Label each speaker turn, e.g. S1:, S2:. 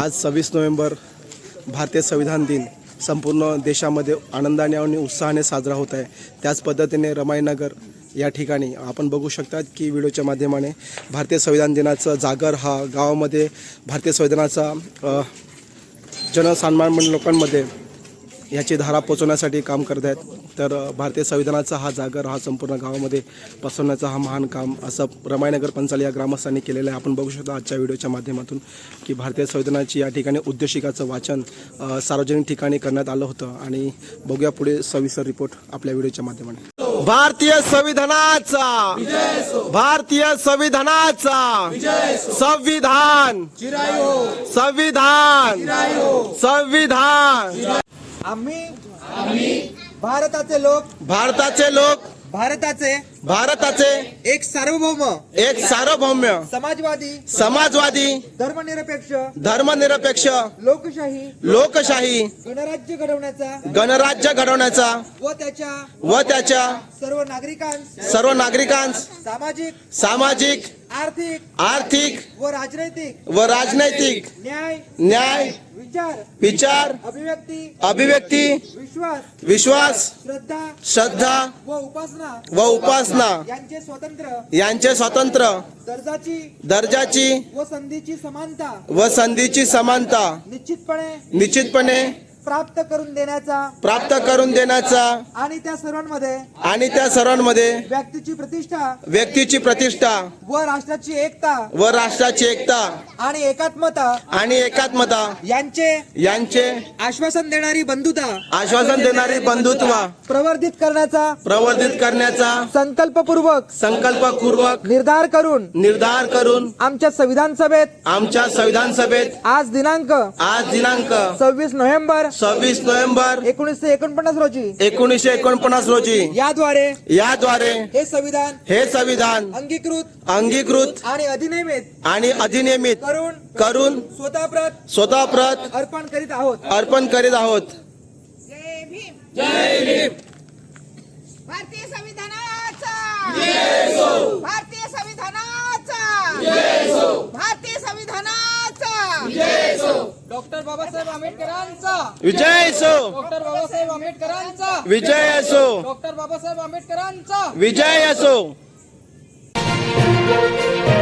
S1: आज 26 नोव्हेंबर भारतीय संविधान दिन संपूर्ण देशामध्ये आनंदाने आणि उत्साहाने साजरा होत आहे। त्याच पद्धतीने रमाईनगर या ठिकाणी आपण बघू शकतात की व्हिडिओच्या माध्यमाने भारतीय संविधान दिनाचा जागर हा गावामध्ये भारतीय संविधानाचा जनसामान्य लोकांमध्ये याची धारा पोचवण्यासाठी काम करत आहेत। तर भारतीय संविधानाचा हा जागर हा संपूर्ण गावामध्ये पसरवण्याचा हा महान काम असं रमाईनगर पंचाल या ग्रामस्थांनी केलेलं आहे। आपण बघू शकता आजच्या व्हिडिओच्या माध्यमातून की भारतीय संविधानाची या ठिकाणी उद्देशिकाचं वाचन सार्वजनिक ठिकाणी करण्यात आलं होतं आणि बघूया पुढे सविस्तर रिपोर्ट आपल्या व्हिडिओच्या माध्यमाने। भारतीय संविधानाचा भारतीय संविधानाचा संविधान संविधान संविधान
S2: आम्ही भारताचे लोक भारताचे एक सार्वभौम समाजवादी धर्मनिरपेक्ष लोकशाही गणराज्य घडवण्याचा व त्याच्या सर्व नागरिकांस सामाजिक आर्थिक व राजनैतिक न्याय विचार अभिव्यक्ती विश्वास श्रद्धा व उपासना यांचे स्वतंत्र दर्जाची व संधीची समानता निश्चितपणे प्राप्त करून देण्याचा आणि त्या सर्वांमध्ये व्यक्तीची प्रतिष्ठा व राष्ट्राची एकता आणि एकात्मता यांचे आश्वासन देणारी बंधुत्व प्रवर्धित करण्याचा संकल्पपूर्वक निर्धार करून आमच्या संविधान सभेत आज दिनांक 26 नोव्हेंबर 1949 रोजी याद्वारे हे संविधान अंगीकृत आणि अधिनियमित करून स्वतःप्रत अर्पण करीत आहोत।
S3: जय भीम। भारतीय संविधानाचा जय हो। भारतीय संविधानाचा जय हो। भारतीय संविधानाचा जय हो। डॉक्टर बाबासाहेब आंबेडकरांचा
S1: विजय असो।
S3: डॉक्टर बाबासाहेब आंबेडकरांचा
S1: विजय असो।
S3: डॉक्टर बाबासाहेब आंबेडकरांचा
S1: विजय असो।